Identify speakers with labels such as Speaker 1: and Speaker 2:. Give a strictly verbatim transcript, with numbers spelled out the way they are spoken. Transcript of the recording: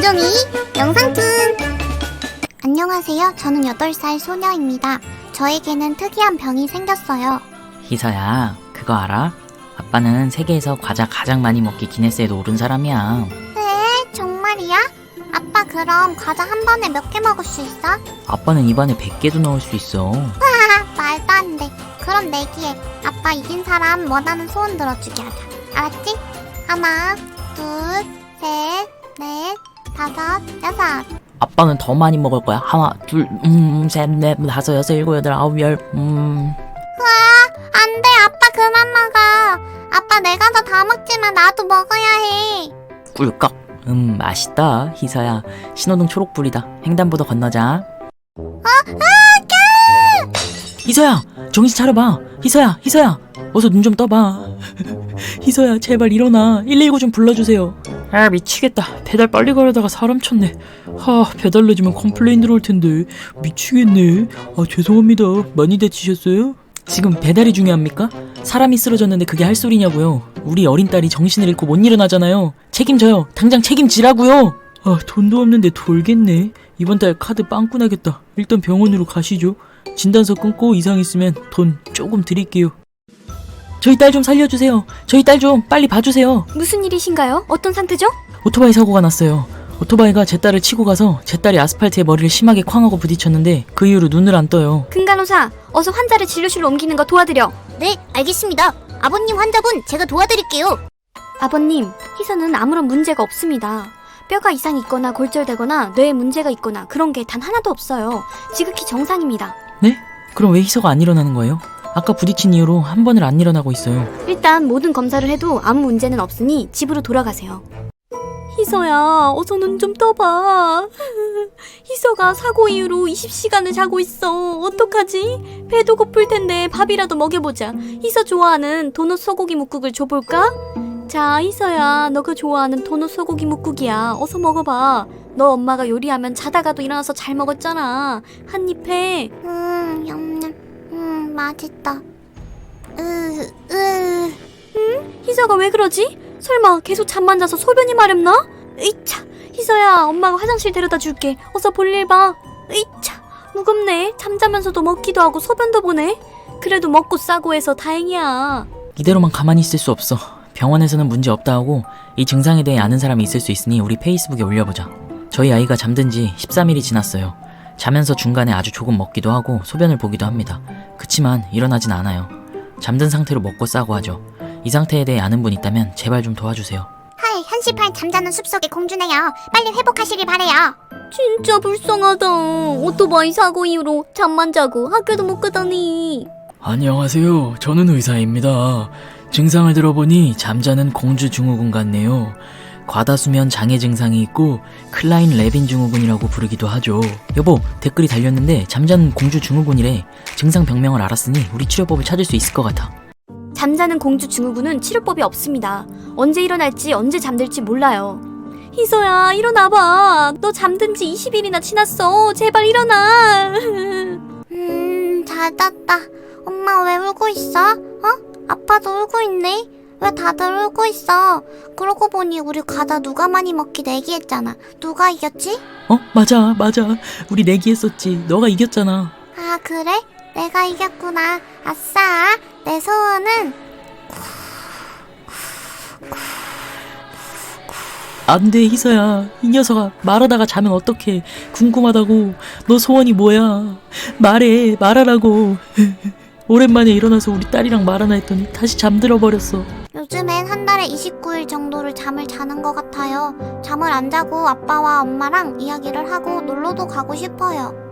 Speaker 1: 김종이 영상툰. 안녕하세요. 저는 여덟 살 소녀입니다. 저에게는 특이한 병이 생겼어요.
Speaker 2: 희서야, 그거 알아? 아빠는 세계에서 과자 가장 많이 먹기 기네스에도 오른 사람이야.
Speaker 1: 네? 정말이야? 아빠 그럼 과자 한 번에 몇 개 먹을 수 있어?
Speaker 2: 아빠는 입안에 백 개도 넣을 수 있어.
Speaker 1: 하하, 말도 안 돼. 그럼 내기에 아빠 이긴 사람 원하는 소원 들어주게 하자. 알았지? 하나, 둘, 셋, 넷, 다섯, 여섯.
Speaker 2: 아빠는 더 많이 먹을 거야. 하나, 둘, 음, 셋, 넷, 다섯, 여섯, 일곱, 여덟, 아홉, 열, 음.
Speaker 1: 와, 안 돼. 아빠 그만 먹어. 아빠 내가 더 다 먹지만 나도 먹어야 해.
Speaker 2: 꿀꺽. 음, 맛있다, 희서야. 신호등 초록불이다. 횡단보도 건너자.
Speaker 1: 어? 아, 까!
Speaker 2: 희서야, 정신 차려봐. 희서야, 희서야, 어서 눈 좀 떠봐. 희서야, 제발 일어나. 일일구 좀 불러주세요. 아, 미치겠다. 배달 빨리 가려다가 사람 쳤네. 하, 배달 늦으면 컴플레인 들어올 텐데. 미치겠네. 아, 죄송합니다. 많이 다치셨어요? 지금 배달이 중요합니까? 사람이 쓰러졌는데 그게 할 소리냐고요. 우리 어린 딸이 정신을 잃고 못 일어나잖아요. 책임져요. 당장 책임지라고요. 아, 돈도 없는데 돌겠네. 이번 달 카드 빵꾸 나겠다. 일단 병원으로 가시죠. 진단서 끊고 이상 있으면 돈 조금 드릴게요. 저희 딸 좀 살려주세요. 저희 딸 좀 빨리 봐주세요.
Speaker 3: 무슨 일이신가요? 어떤 상태죠?
Speaker 2: 오토바이 사고가 났어요. 오토바이가 제 딸을 치고 가서 제 딸이 아스팔트에 머리를 심하게 쾅하고 부딪혔는데 그 이후로 눈을 안 떠요.
Speaker 3: 금간호사, 어서 환자를 진료실로 옮기는 거 도와드려.
Speaker 1: 네, 알겠습니다. 아버님 환자분 제가 도와드릴게요.
Speaker 3: 아버님, 희서는 아무런 문제가 없습니다. 뼈가 이상이 있거나 골절되거나 뇌에 문제가 있거나 그런 게 단 하나도 없어요. 지극히 정상입니다.
Speaker 2: 네? 그럼 왜 희서가 안 일어나는 거예요? 아까 부딪힌 이후로 한 번을 안 일어나고 있어요.
Speaker 3: 일단 모든 검사를 해도 아무 문제는 없으니 집으로 돌아가세요. 희서야, 어서 눈 좀 떠봐. 희서가 사고 이후로 이십 시간을 자고 있어. 어떡하지? 배도 고플 텐데 밥이라도 먹여보자. 희서 좋아하는 도넛 소고기 묵국을 줘볼까? 자, 희서야, 너가 좋아하는 도넛 소고기 묵국이야. 어서 먹어봐. 너 엄마가 요리하면 자다가도 일어나서 잘 먹었잖아. 한 입 해.
Speaker 1: 음, 냠냠. 음, 맛있다. 으, 으.
Speaker 3: 희서가 왜 그러지? 설마 계속 잠만 자서 소변이 마렵나? 으이차, 희서야, 엄마가 화장실 데려다 줄게. 어서 볼일 봐. 으이차, 무겁네. 잠자면서도 먹기도 하고 소변도 보네. 그래도 먹고 싸고 해서 다행이야.
Speaker 2: 이대로만 가만히 있을 수 없어. 병원에서는 문제 없다 하고 이 증상에 대해 아는 사람이 있을 수 있으니 우리 페이스북에 올려보자. 저희 아이가 잠든 지 십삼 일이 지났어요. 자면서 중간에 아주 조금 먹기도 하고 소변을 보기도 합니다. 그치만 일어나진 않아요. 잠든 상태로 먹고 싸고 하죠. 이 상태에 대해 아는 분 있다면 제발 좀 도와주세요.
Speaker 1: 하이, 한시팔 잠자는 숲속의 공주네요. 빨리 회복하시길 바래요.
Speaker 3: 진짜 불쌍하다. 오토바이 사고 이후로 잠만 자고 학교도 못 가다니.
Speaker 2: 안녕하세요. 저는 의사입니다. 증상을 들어보니 잠자는 공주 증후군 같네요. 과다수면 장애 증상이 있고 클라인 레빈 증후군이라고 부르기도 하죠. 여보, 댓글이 달렸는데 잠자는 공주 증후군이래. 증상 병명을 알았으니 우리 치료법을 찾을 수 있을 것 같아.
Speaker 3: 잠자는 공주 증후군은 치료법이 없습니다. 언제 일어날지 언제 잠들지 몰라요. 희서야, 일어나봐. 너 잠든 지 이십 일이나 지났어. 제발 일어나.
Speaker 1: 음, 잘 잤다. 엄마 왜 울고 있어? 어? 아빠도 울고 있네? 왜 다들 울고 있어? 그러고 보니 우리 과자 누가 많이 먹기 내기했잖아. 누가 이겼지?
Speaker 2: 어? 맞아, 맞아. 우리 내기했었지. 너가 이겼잖아.
Speaker 1: 아, 그래? 내가 이겼구나. 아싸. 내 소원은
Speaker 2: 안 돼, 희서야. 이 녀석아, 말하다가 자면 어떡해. 궁금하다고. 너 소원이 뭐야? 말해, 말하라고. 오랜만에 일어나서 우리 딸이랑 말하나 했더니 다시 잠들어 버렸어.
Speaker 1: 요즘엔 한 달에 이십구 일 정도를 잠을 자는 것 같아요. 잠을 안 자고 아빠와 엄마랑 이야기를 하고 놀러도 가고 싶어요.